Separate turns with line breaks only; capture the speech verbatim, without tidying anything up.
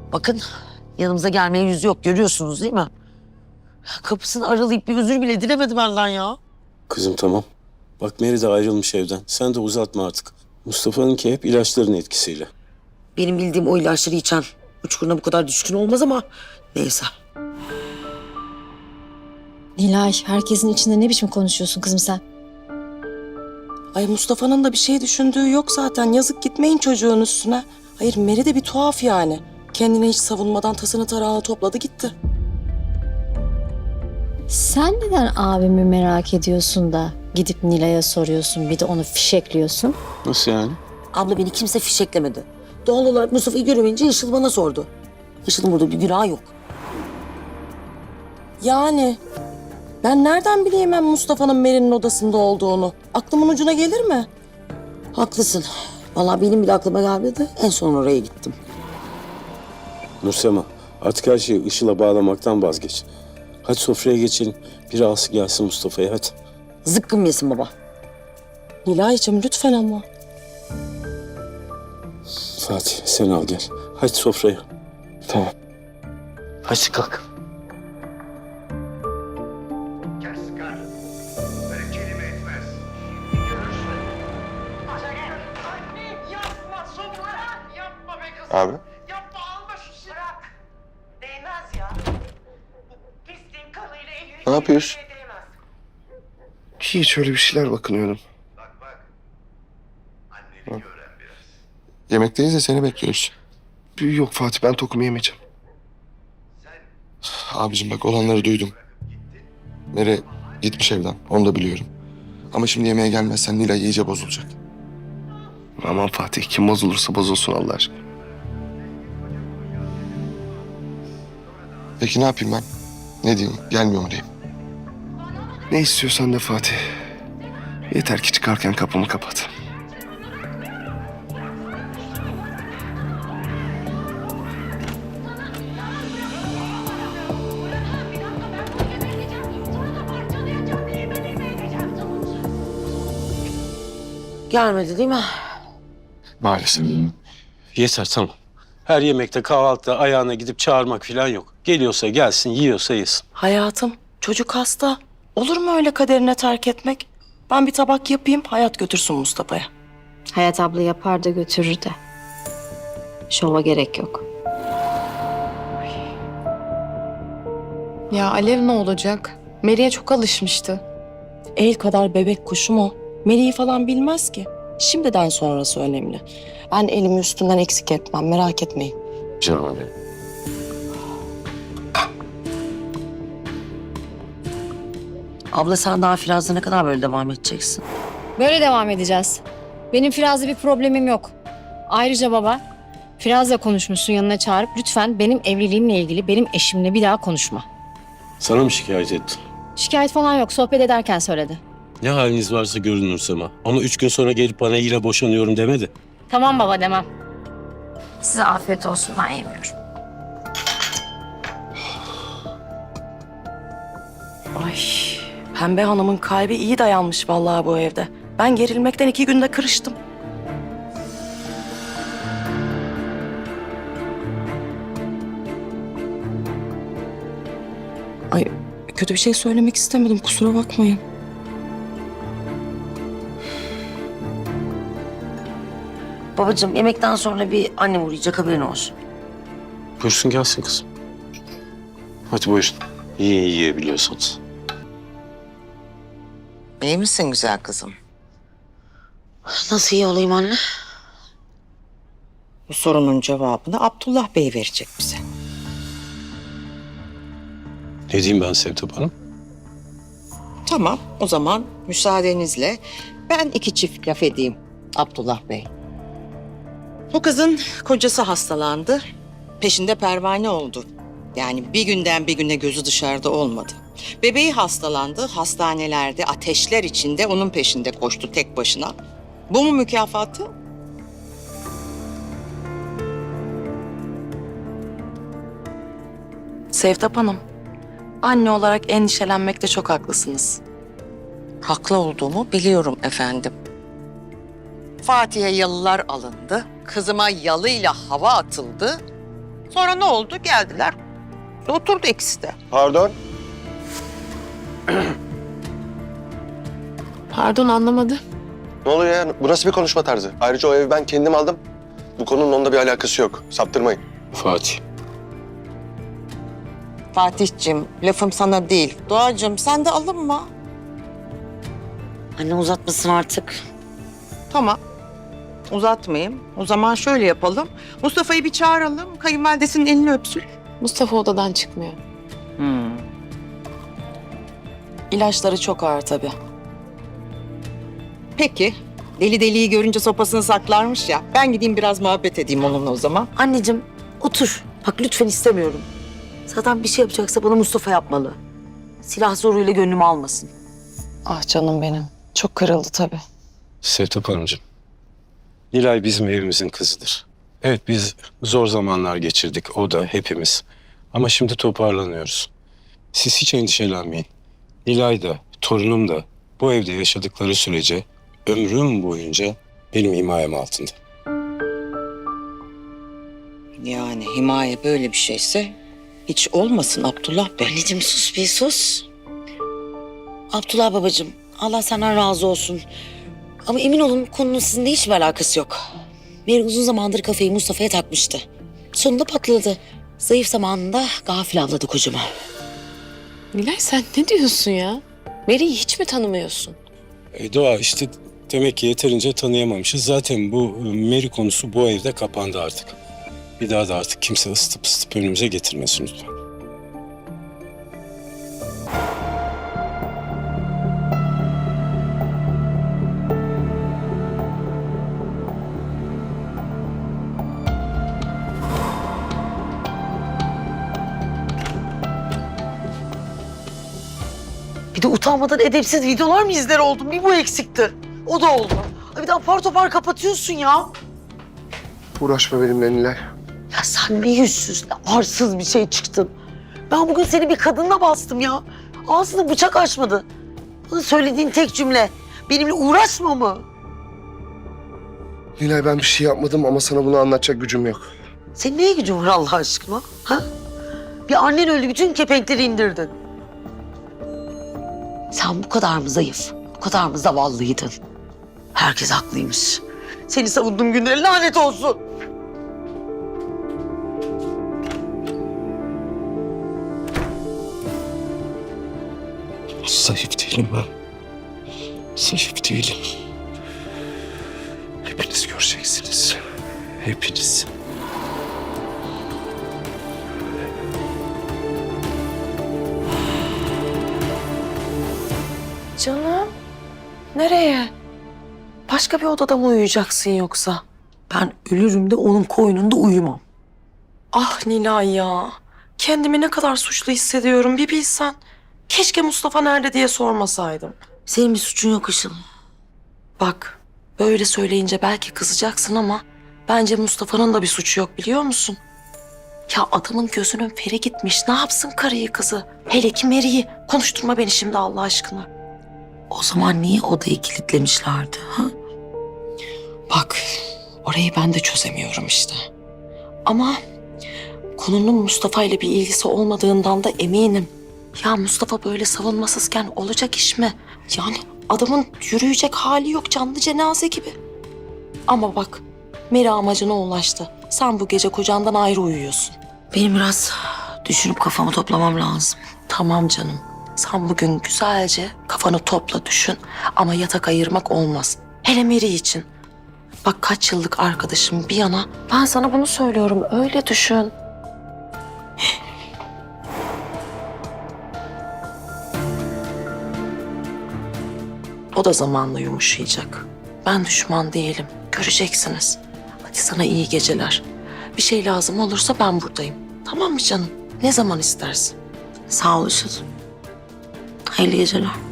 Bakın yanımıza gelmeye yüzü yok, görüyorsunuz değil mi? Kapısını aralayıp bir özür bile dilemedi benden ya.
Kızım tamam. Bak Meri de ayrılmış evden. Sen de uzatma artık. Mustafa'nınki hep ilaçların etkisiyle.
Benim bildiğim o ilaçları içen uçkuruna bu kadar düşkün olmaz ama neyse.
Nilay, herkesin içinde ne biçim konuşuyorsun kızım sen?
Ay Mustafa'nın da bir şey düşündüğü yok zaten. Yazık gitmeyin çocuğun üstüne. Hayır Meri de bir tuhaf yani. Kendine hiç savunmadan tasını tarağını topladı gitti.
Sen neden abimi merak ediyorsun da gidip Nilay'a soruyorsun, bir de onu fişekliyorsun?
Nasıl yani?
Abla beni kimse fişeklemedi. Doğal olarak Mustafa'yı göremeyince Işıl bana sordu. Işıl'ın burada bir günahı yok.
Yani ben nereden bileyim ben Mustafa'nın Meri'nin odasında olduğunu? Aklımın ucuna gelir mi?
Haklısın. Vallahi benim bile aklıma gelmedi. En son oraya gittim.
Nursema artık her şeyi Işıl'a bağlamaktan vazgeç. Hadi sofraya geçelim. Bir ağası gelsin Mustafa'ya hadi.
Zıkkım yesin baba.
Nilay'cığım lütfen ama.
Fatih sen al gel. Hadi sofraya. Tamam. Hadi kalk.
Kes kar. Böyle kelime etmez. Görürsün. Anne yapma sofra. Yapma be kızım.
Abi.
Yapma alma şu silahı. Bırak. Değmez ya. Bu pisliğin kanıyla elini...
Ne yapıyorsun?
Değmez.
Hiç öyle bir şeyler bakınıyorum.
Bak bak. Annelik öğren biraz.
Yemekteyiz de seni bekliyoruz. Yok Fatih ben tokumu yemeyeceğim.
Sen
Abicim bak olanları duydum. Mere gitmiş evden onu da biliyorum. Ama şimdi yemeğe gelmezsen Nilay iyice bozulacak. Aman Fatih kim bozulursa bozulsun Allah aşkına. Peki ne yapayım ben? Ne diyeyim? Gelmiyor mu diyeyim? Ne istiyorsan de Fatih. Yeter ki çıkarken kapımı kapat.
Gelmedi değil mi?
Maalesef.
Yeter tamam. Her yemekte kahvaltıda ayağına gidip çağırmak falan yok. Geliyorsa gelsin, yiyorsa yesin.
Hayatım çocuk hasta. Olur mu öyle kaderine terk etmek? Ben bir tabak yapayım hayat götürsün Mustafa'ya.
Hayat abla yapar da götürür de. Şova gerek yok.
Ya Alev ne olacak? Meri'ye çok alışmıştı.
El kadar bebek kuşum o. Meri'yi falan bilmez ki. Şimdiden sonrası önemli. Ben elimi üstünden eksik etmem merak etmeyin.
Canım benim.
Abla sen daha Firaz'la ne kadar böyle devam edeceksin?
Böyle devam edeceğiz. Benim Firaz'la bir problemim yok. Ayrıca baba, Firaz'la konuşmuşsun yanına çağırıp lütfen benim evliliğimle ilgili benim eşimle bir daha konuşma.
Sana mı şikayet ettin?
Şikayet falan yok, sohbet ederken söyledi.
Ne haliniz varsa görün Nursema. Ama üç gün sonra gelip bana yine boşanıyorum demedi.
Tamam baba demem. Size afiyet olsun, ben yemiyorum.
Ay Pembe Hanım'ın kalbi iyi dayanmış vallahi bu evde. Ben gerilmekten iki günde kırıştım. Ay kötü bir şey söylemek istemedim kusura bakmayın.
Babacığım yemekten sonra bir annem uğrayacak, haberin olsun.
Buyursun gelsin kızım. Hadi buyurun. Yiyin yiyebiliyorsanız.
İyi misin güzel kızım?
Nasıl iyi olayım anne?
Bu sorunun cevabını Abdullah Bey verecek bize.
Ne diyeyim ben Sevtap Hanım?
Tamam, o zaman müsaadenizle ben iki çift laf edeyim Abdullah Bey. Bu kızın kocası hastalandı, peşinde pervane oldu. Yani bir günden bir güne gözü dışarıda olmadı. Bebeği hastalandı, hastanelerde ateşler içinde onun peşinde koştu tek başına. Bu mu mükafatı?
Sevtap Hanım, anne olarak endişelenmekte çok haklısınız.
Haklı olduğumu biliyorum efendim. Fatih'e yalılar alındı, kızıma yalıyla hava atıldı. Sonra ne oldu? Geldiler. Oturdu ikisi de.
Pardon.
Pardon anlamadı.
Ne oluyor ya? Bu nasıl bir konuşma tarzı? Ayrıca o evi ben kendim aldım. Bu konunun onunla bir alakası yok. Saptırmayın.
Fatih.
Fatih'cim lafım sana değil. Doğacığım sen de alınma.
Anne uzatmasın artık.
Tamam. Uzatmayayım. O zaman şöyle yapalım. Mustafa'yı bir çağıralım. Kayınvalidesinin elini öpsün.
Mustafa odadan çıkmıyor.
Hmm.
İlaçları çok ağır tabii.
Peki. Deli deliyi görünce sopasını saklarmış ya. Ben gideyim biraz muhabbet edeyim onunla o zaman.
Anneciğim otur. Bak lütfen istemiyorum. Zaten bir şey yapacaksa bana Mustafa yapmalı. Silah zoruyla gönlümü almasın.
Ah canım benim. Çok kırıldı tabii.
Sevtap Hanımcığım. Nilay bizim evimizin kızıdır. Evet biz zor zamanlar geçirdik. O da hepimiz. Ama şimdi toparlanıyoruz. Siz hiç endişelenmeyin. Nilay da, torunum da bu evde yaşadıkları sürece ömrüm boyunca benim himayem altında.
Yani himaye böyle bir şeyse hiç olmasın Abdullah Bey.
Anneciğim sus bir sus. Abdullah babacığım Allah senden razı olsun. Ama emin olun konunun sizinle hiçbir alakası yok. Meri uzun zamandır kafayı Mustafa'ya takmıştı. Sonunda patladı. Zayıf zamanında gafil avladı kocama.
Nilay sen ne diyorsun ya? Meri'yi hiç mi tanımıyorsun?
E, Doğa işte demek ki yeterince tanıyamamışız. Zaten bu e, Meri konusu bu evde kapandı artık. Bir daha da artık kimse ısıtıp ısıtıp önümüze getirmesin lütfen.
Bir de utanmadan edepsiz videolar mı izler oldum? Bir bu eksikti. O da oldu. Ay bir de apar topar kapatıyorsun ya.
Uğraşma benimle Nilay.
Ya sen ne yüzsüz, ne arsız bir şey çıktın. Ben bugün seni bir kadınla bastım ya. Ağzını bıçak açmadı. Bana söylediğin tek cümle benimle uğraşma mı?
Nilay ben bir şey yapmadım ama sana bunu anlatacak gücüm yok.
Senin neye gücün var Allah aşkına? Ha? Bir annen öldü, bütün kepenkleri indirdin. Sen bu kadar mı zayıf, bu kadar mı zavallıydın? Herkes haklıymış. Seni savunduğum günlere lanet olsun.
Zayıf değilim ben. Zayıf değilim. Hepiniz göreceksiniz. Hepiniz.
Canım, nereye? Başka bir odada mı uyuyacaksın yoksa?
Ben ölürüm de onun koynunda uyumam.
Ah Nilay ya. Kendimi ne kadar suçlu hissediyorum bir bilsen. Keşke Mustafa nerede diye sormasaydım.
Senin bir suçun yok Işıl.
Bak, böyle söyleyince belki kızacaksın ama bence Mustafa'nın da bir suçu yok biliyor musun? Ya adamın gözünün feri gitmiş. Ne yapsın karıyı kızı? Hele ki Mary'i. Konuşturma beni şimdi Allah aşkına.
O zaman niye odayı kilitlemişlerdi? Ha?
Bak, orayı ben de çözemiyorum işte. Ama konunun Mustafa ile bir ilgisi olmadığından da eminim. Ya Mustafa böyle savunmasızken olacak iş mi? Yani adamın yürüyecek hali yok, canlı cenaze gibi. Ama bak, Meri amacına ulaştı. Sen bu gece kocandan ayrı uyuyorsun.
Benim biraz düşünüp kafamı toplamam lazım.
Tamam canım. Sen bugün güzelce kafanı topla düşün. Ama yatak ayırmak olmaz. Hele Meri için. Bak kaç yıllık arkadaşım bir yana. Ben sana bunu söylüyorum. Öyle düşün. O da zamanla yumuşayacak. Ben düşman değilim. Göreceksiniz. Hadi sana iyi geceler. Bir şey lazım olursa ben buradayım. Tamam mı canım? Ne zaman istersin?
Sağ ol Işıl. Hayırlı geceler.